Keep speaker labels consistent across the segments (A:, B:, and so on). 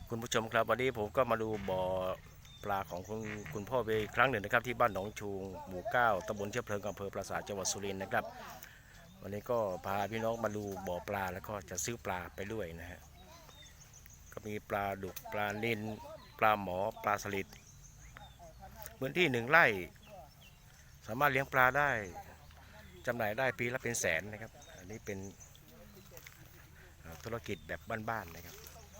A: คุณผู้ชมครับวันนี้ผมก็มาดูบ่อปลาของคุณพ่อเวอีกครั้งหนึ่งนะครับที่บ้านหนองชูงหมู่9ตำบลเชื้อเพลิงอำเภอปราสาทจังหวัดสุรินทร์นะครับวันนี้ก็พาพี่น้องมาดูบ่อปลาแล้วก็จะซื้อปลาไปด้วยนะฮะก็มีปลาดุกปลานิลปลาหมอปลาสลิดพื้นที่1 ไร่สามารถเลี้ยงปลาได้จำหน่ายได้ปีละเป็นแสนนะครับอันนี้เป็นธุรกิจแบบบ้านๆนะครับ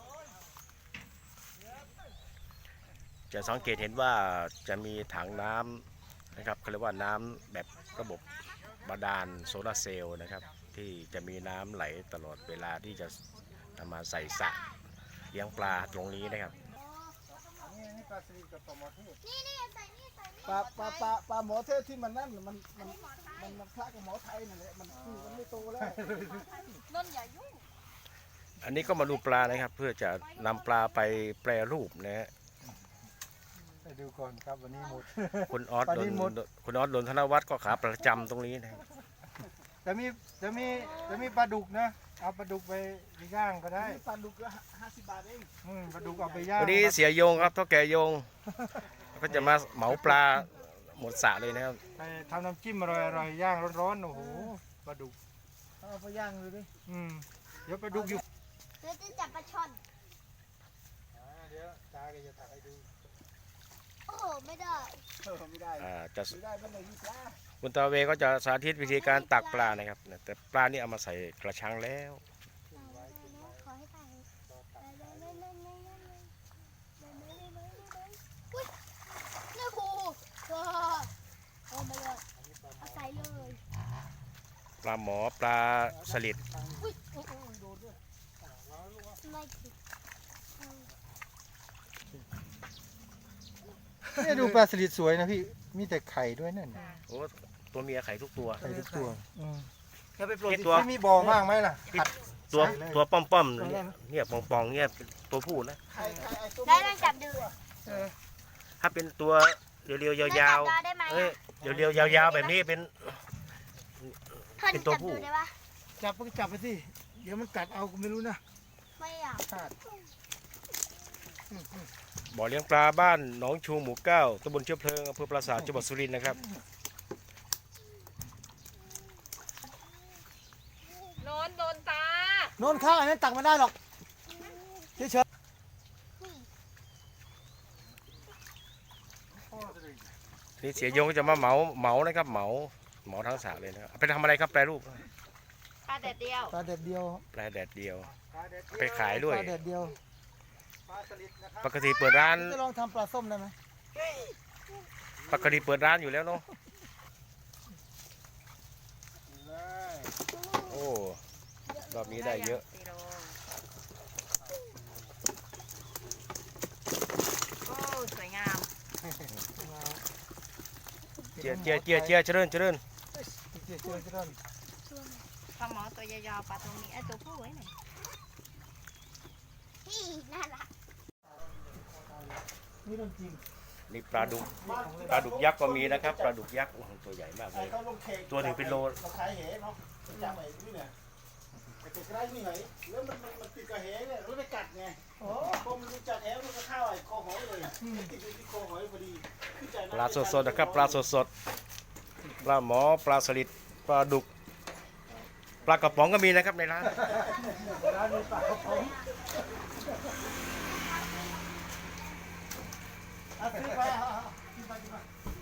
A: จะสังเกตเห็นว่าจะมีถังน้ำนะครับเขาเรียกว่าน้ำแบบระบบบาดาลโซลาร์เซลล์นะครับที่จะมีน้ำไหลตลอดเวลาที่จะนำมาใส่สระเลี้ยงปลาตรงนี้นะครับ
B: นี่ปลาสลิดกับปลาหมอเทศนี่ใส่นี่ปลาหมอเทศที่มันนั่นมันคล้ายกับหมอไทยนั่นแหละมันไม่โตแล้ว
C: นนอย่ายุ่ง
A: อันนี้ก็มาดูปลานะครับเพื่อจะนำปลาไปแปรรูปนะฮะ
B: ไปดูก่อนครับวันนี้หมด
A: คุณออสโดนธนวัฒน์ก็ขาประจำตรงนี้นะ
B: จะมีปลาดุกนะเอาปลาดุกไปย่างก็ได้ปลาดุกก็50 บาทเองปลาดุกเอาไปย่าง
A: วันนี้เสียโยงครับเท่าแก่โยงก็จะมาเหมาปลาหมดสระเลยนะครับ
B: ไปทำน้ำจิ้มอร่อยย่างร้อนๆโอ้โหปลาดุกเอาไปย่างเลยดิเดี๋ยวปลาดุกอยู่
C: เดี๋ยวจะจับปลาช่อน
B: เดี๋ยวตาจะถ่ายให้ดู
C: โอ้โหไม่ได้
B: ไม่ได้
A: จะ
B: ไม่ได้มันไหนมีปลา
A: คุณตาเวก็จะสาธิตวิธีการตักปลานะครับแต่ปลานี่เอามาใส่กระชังแล้ว
C: ขอให้ตายอุ้ยนี่ครูโอ้ไม่เลยเอาใส่เลย
A: ปลาหมอปลาสลิด
B: นี่ดูปลาสลิดสวยนะพี่มีแต่ไข่ด้วยนั่น
A: โอ้ตัวเมียไข่ทุกตัว
B: ไข่ทุกตัว
A: จะไปโปรดตัว
B: มีบ่อมากไหมล่ะ
A: ตัวป้อมเนี่ยปองเนี่ยตัวผู้นะ
C: ได้ลองจับดู
A: ถ้าเป็นตัวเรียวๆยาวๆเรียวๆยาวๆแบบนี้เป็นตัวผู้
B: จับไปสิเดี๋ยวมันกัดเอาไม่รู้นะ
C: ไม่อยาก
A: บ่อเลี้ยงปลาบ้านหนองชูหมู่9ตำบลเชื้อเพลิงอำเภอปราสาทจังหวัดสุรินทร์นะครับ
C: โดนตา
B: โน่นข้างอันนั้นตักไม่ได้หรอกเฉย
A: นี่เสียโยงก็จะมาเหมานะครับเหมาทั้งสระเลยนะครับไปทำอะไรครับแปรรูป
C: ปลาแดดเดียว
A: แปรแดดเดียวไปขายด้วย
B: ปลาแดดเดียว
A: ปกติเปิดร้าน
B: จะลองทำปลาส้มได้ไหม
A: ปกติเปิดร้านอยู่แล้วเนาะโอ้รอบนี้ได้เยอะ
C: โอ้สวยงาม
A: เจียเจริญ
C: ปลาหมอตัวยาวๆปลาตรงนี้ไอ้ตัวผู้ไว้ไหนพี่น่ารัก
A: นี่ปลาดุกยักษ์ก็มีนะครับปลาดุกยักษ์ตัวใหญ่มากเลยตัวหนึ่งเป็นโล
B: ขายเหเนาะจับไอ้นี่เนี่ยไอ้ตัวไร้นี่ไหนแล้วมันติดกับเหเนี่ยแล้วไปกัดไงพอมันรู้จักแหมันก็เข้าไอ้คอหอยเลยติดอยู่ที่คอหอยพอดี
A: ปลาสดนะครับปลาสดปลาหมอปลาสลิดปลาดุกปลากระป๋องก็มีนะครับในร้าน
B: มีปลากระป๋องซื้อไป